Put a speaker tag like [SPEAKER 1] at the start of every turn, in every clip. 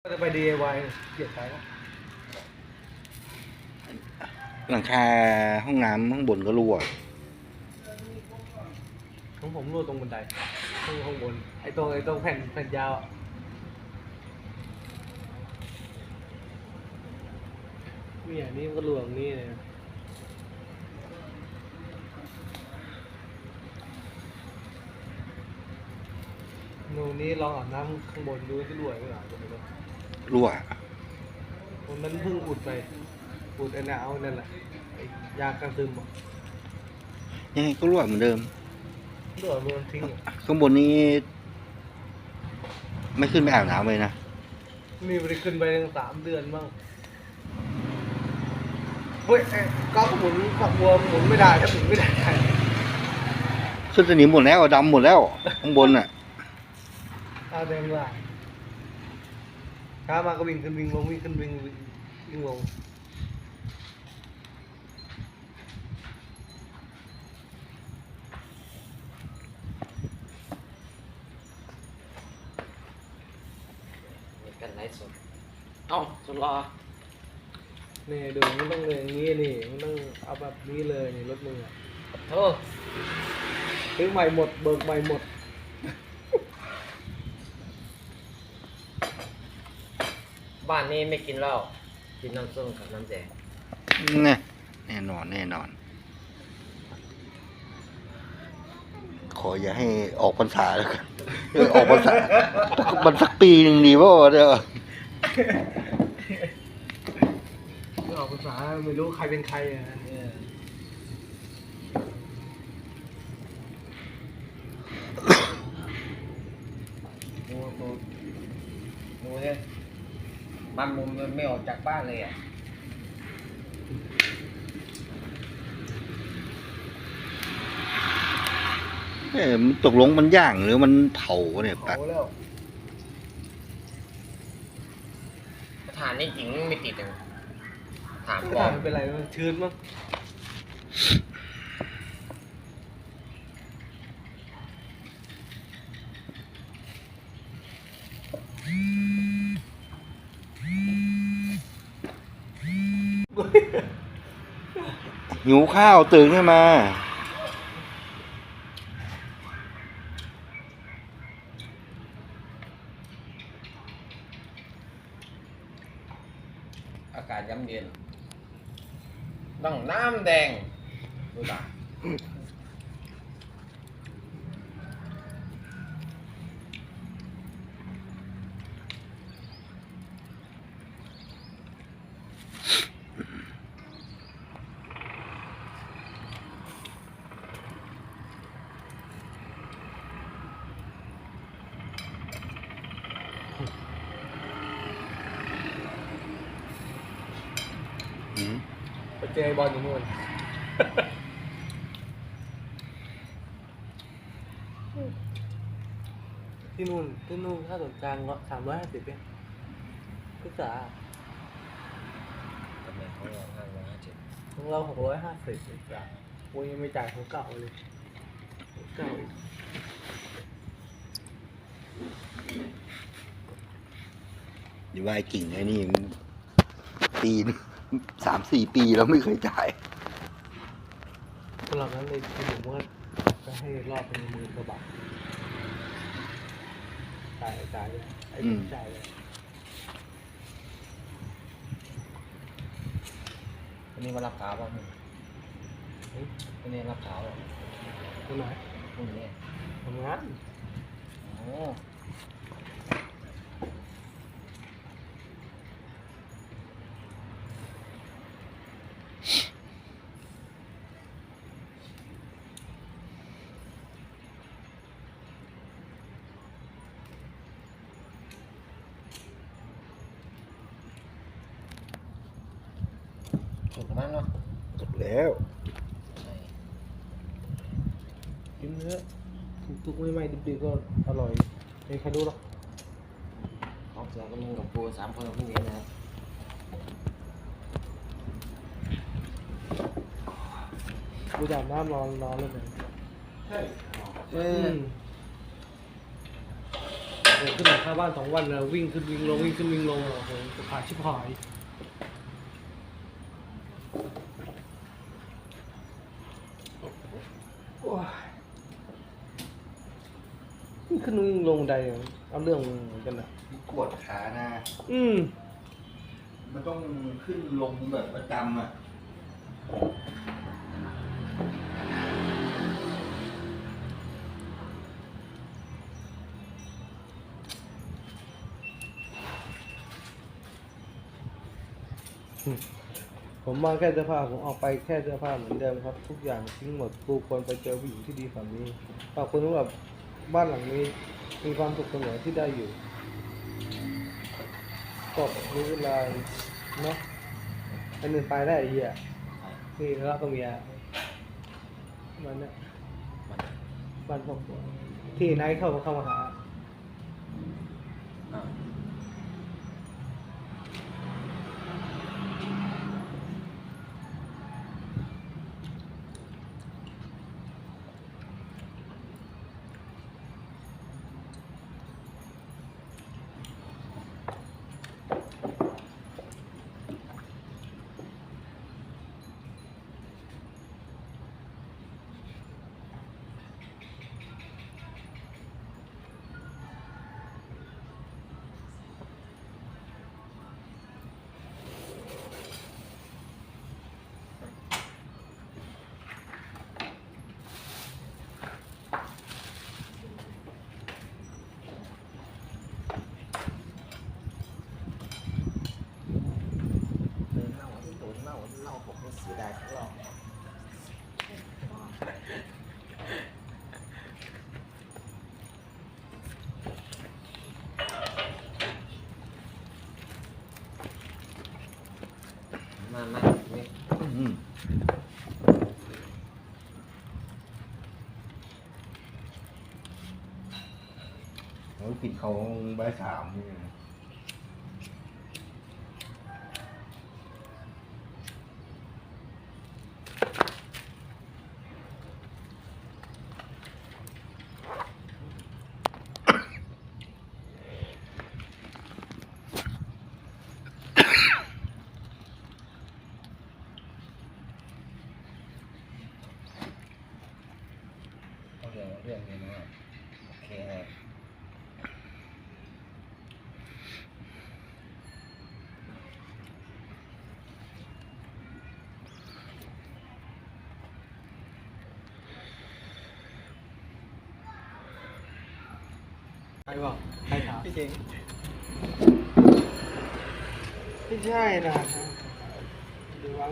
[SPEAKER 1] ก็จะไป DIY เกลียดใช้แล้ว
[SPEAKER 2] หลังคาห้องน้ำข้างบนก็รั่ว
[SPEAKER 1] ของผมรั่วตรงบันไดข้างบนไอ้ตรงแผ่นยาวนี่นี่มันก็รั่วตรงนี้เลยนูนนี้ลองอาบน้ำข้างบนดูที่รั่วไม่หรอ
[SPEAKER 2] รั่ว
[SPEAKER 1] วันนั้นเพิ่งอุดไปอุดไอ้หนาวนั่นแหละไอ้ยากันซึมอ่ะ
[SPEAKER 2] ยังไงก็รั่วเหมือนเดิม
[SPEAKER 1] รั่วมันทิ้ง
[SPEAKER 2] ข้างบนนี้ไม่ขึ้นไปอาบน้ำเลยนะ
[SPEAKER 1] นี่มันขึ้นไปตั้ง3 เดือนบ้างเฮ้ยก็หมุนฝักบัวหมุนไม่ได้ถ้าหมุนไม่ได้
[SPEAKER 2] ขึ้นสนิมหมดแล้วดำหมดแล้วข้างบนอ่ะ
[SPEAKER 1] เอาแดงว่าช้ามาก็วิ่งขึ้นวิ่งลงวิ่งขึ้นวิ่งลง
[SPEAKER 3] กันไลฟ์สดเอ้าสุดรอ
[SPEAKER 1] นี่ดูมันต้องเลยอย่างนี้นี่มันต้องเอาแบบนี้เลยนี่รถมือ
[SPEAKER 3] โอ้
[SPEAKER 1] ซื้อใหม่หมดเบิกใหม่หมด
[SPEAKER 3] บ้านนี้ไม่กินเหล้ากินน้ำส้มกับน้ำแดง
[SPEAKER 2] แน่นอนขออย่าให้ออกพรรษาแล้วกันออกพรรษามันสักปีหนึ่งดีป่ะเดี๋ยว
[SPEAKER 1] ไม่ออกภาษาไม่รู้ใครเป็นใครอ่ะ
[SPEAKER 3] ดูเนี่ยมันมุมมันไม่ออกจากบ้านเลยอ่ะ
[SPEAKER 2] มันตกลงมันย่างหรือมันเผาเนี่ย
[SPEAKER 1] เ
[SPEAKER 2] ปั
[SPEAKER 1] ผาแล้ว
[SPEAKER 3] ฐานนี่จริงไม่ติดเลยถาม
[SPEAKER 1] ไม่
[SPEAKER 3] ก่อน
[SPEAKER 1] เป็นไรมันชื้นมั้ง
[SPEAKER 2] หิวข้าวตื่นขึ้นมา
[SPEAKER 3] อากาศย้ำเย็นต้องน้ำแดงดูด่า
[SPEAKER 1] ไปเจอบอลอยู่นู่นที่นู่นค่าส่วนกลาง350เองศึกษา
[SPEAKER 3] ทำไมเขาลอง550
[SPEAKER 1] ของเรา650ศึกษาโอ้ยยังไม่จ่ายของเก่าเลยของเก่า
[SPEAKER 2] อยู่ว่าไอ้กิ่งไอ้นี่ปี3-4 ปีแล้วไม่เคยจ่าย
[SPEAKER 1] สำหรับนั้นเลยที่ผมว่าจะให้รอบเป็น10,000 กว่าบาทจ่ายเลยไอ้จ่ายเลย
[SPEAKER 3] วันนี้มารับขาวป่ะวันนี้รับขาวป่ะ
[SPEAKER 1] ตรงไหน
[SPEAKER 3] พรุ่งนี้
[SPEAKER 1] ทำงาน
[SPEAKER 3] โอ้ถูกมั้งเนาะ
[SPEAKER 2] จบแล้ว
[SPEAKER 1] กินเนื้อทุกๆไม่ดิบๆก็อร่อยไม่ใครรู้หรอก
[SPEAKER 3] ของเสือก็มึงกับกู3 คนกับพี่เลี้ยงนะครับ
[SPEAKER 1] กูจะอาบน้ำรอเลยใช่โอ้ขึ้นหลังคาบ้าน2 วันนะวิ่งขึ้นวิ่งลงวิ่งขึ้นวิ่งลงโอ้โหจะขาดชิบหายโอ้ยวิ่งขึ้นวิ่งลงบันไดเอาเรื่องเหมือนกันนะ
[SPEAKER 2] ปวดขานะ มันต้องขึ้นลงแบบประจำอ่ะ
[SPEAKER 1] ผมมาแค่เสื้อผ้าผมออกไปแค่เสื้อผ้าเหมือนเดิมครับ ทุกอย่างทิ้งหมดกูควรไปเจอผู้หญิงที่ดีกว่านี้ขอบคุณสำหรับบ้านหลังนี้มีความสุขเสมอที่ได้อยู่ก็รู้เวลาเนาะอันนึงไปได้ไอ้เหี้ยนี่แล้วก็เมียมันเนี่ยบ้านครอบครัวที่ไนท์เข้ามาหา
[SPEAKER 3] อ้าว เล่าผมไม่เสียดายทั้งรอบมานี่
[SPEAKER 2] เขาปิดเขาใบสามนี่
[SPEAKER 3] เรื่องนี้นะโอเคฮะ
[SPEAKER 1] ใครบอกใครถาม
[SPEAKER 3] พี่จริง
[SPEAKER 1] ไม่ใช่นะดูว่าไหม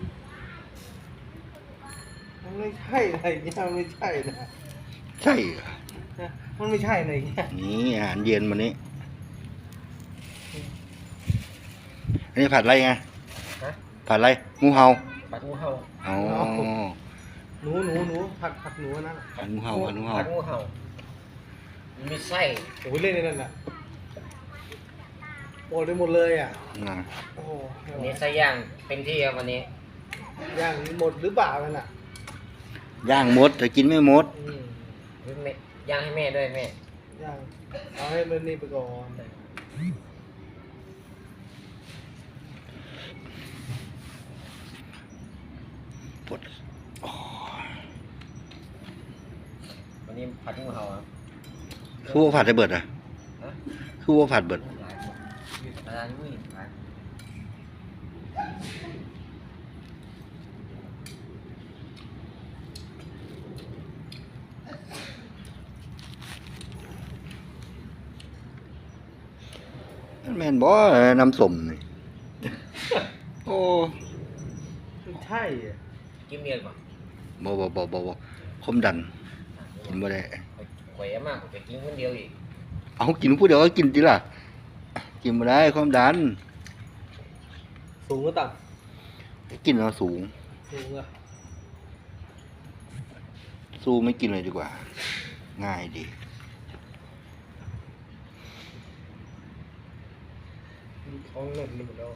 [SPEAKER 1] มันไม่ใช่อะไรเงี้ยมันไม่ใช่นะ
[SPEAKER 2] ใช่เหรอ
[SPEAKER 1] นะมันไม่ใช่อะไรเงี้ย
[SPEAKER 2] นี่อาหารเย็นวันนี้ อันนี้ผัดอะไรไง
[SPEAKER 3] ฮะ
[SPEAKER 2] ผัดอะไรงูเห่า
[SPEAKER 3] ปัดงูเห่า
[SPEAKER 2] อ๋อ
[SPEAKER 1] หนูผัดหนูอันนั่นน่ะ
[SPEAKER 2] ผัดงูเห่าผัดงูเห่า
[SPEAKER 3] ปัดงูเห่ามีไส้
[SPEAKER 1] โอ้ยเล่นในนั่นน่ะโอ้ได้หมดเลยอ่ะ
[SPEAKER 2] อ่า
[SPEAKER 1] โอ้โห
[SPEAKER 3] วันนี้ไส้ย่างเต็มที่ครับวันนี้
[SPEAKER 1] ย่างหมดหรือเปล่านั่นน่ะ
[SPEAKER 2] ย่างมดแต่กินไม่หมด
[SPEAKER 3] แม่ย่างให้แม่ด้วยแม่
[SPEAKER 1] ย่างเอาให้มันนี่ไปก่อน
[SPEAKER 2] ปวดอ๋อ
[SPEAKER 3] วันนี้ผัดงูเห่าครับ
[SPEAKER 2] คือว่าผัดได้เบิดอ่ะ
[SPEAKER 3] ฮะ
[SPEAKER 2] คือว่าผัดเบิด
[SPEAKER 3] หลายคนร้านนี้หลาย
[SPEAKER 2] แม่นบ่น้ำส้มนี่โอ้
[SPEAKER 1] ไม่ใช่อ่ะ
[SPEAKER 3] กินเมียนป่ะ
[SPEAKER 2] บ่ความดันกินบ่ได้
[SPEAKER 3] ข่อยมากผมจะกินคนเดียวอีก
[SPEAKER 2] เอากินผู้เดียวก็กินติล่ะ กินบ่ได้ความดัน
[SPEAKER 1] สูงก็ต่
[SPEAKER 2] กินเอาสูง
[SPEAKER 1] ำสูงอ่ะ
[SPEAKER 2] สู้ไม่กินเลยดีกว่า ง่ายดี
[SPEAKER 1] ท้องเริ่มหมดแล้ว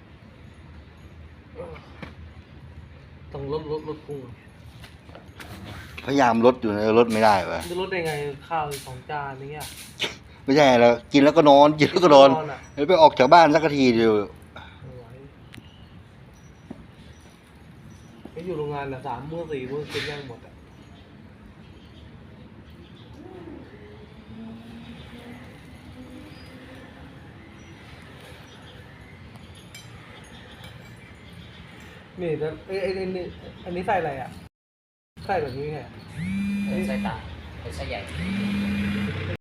[SPEAKER 1] ต้องลดพุง
[SPEAKER 2] พยายามลดอยู่นะลดไม่ได้วะ
[SPEAKER 1] จะลดได้ไงข้าว2 จานอย่างเงี้ย
[SPEAKER 2] ไม่ใช่แล้วกินแล้วก็นอนกินแล้วก็นอน
[SPEAKER 1] อ่ะ
[SPEAKER 2] แล้วไปออกจากบ้านสักทีเดียว
[SPEAKER 1] ไอ้อยู่โรงงานอ่ะ3 มื้อ 4 มื้อกินแม่งหมดอ่ะนี่แต่นี่อันนี้ใส่อะไรอ่ะใส่แบบนี้ไง
[SPEAKER 3] ใส่ตาใส่ใหญ่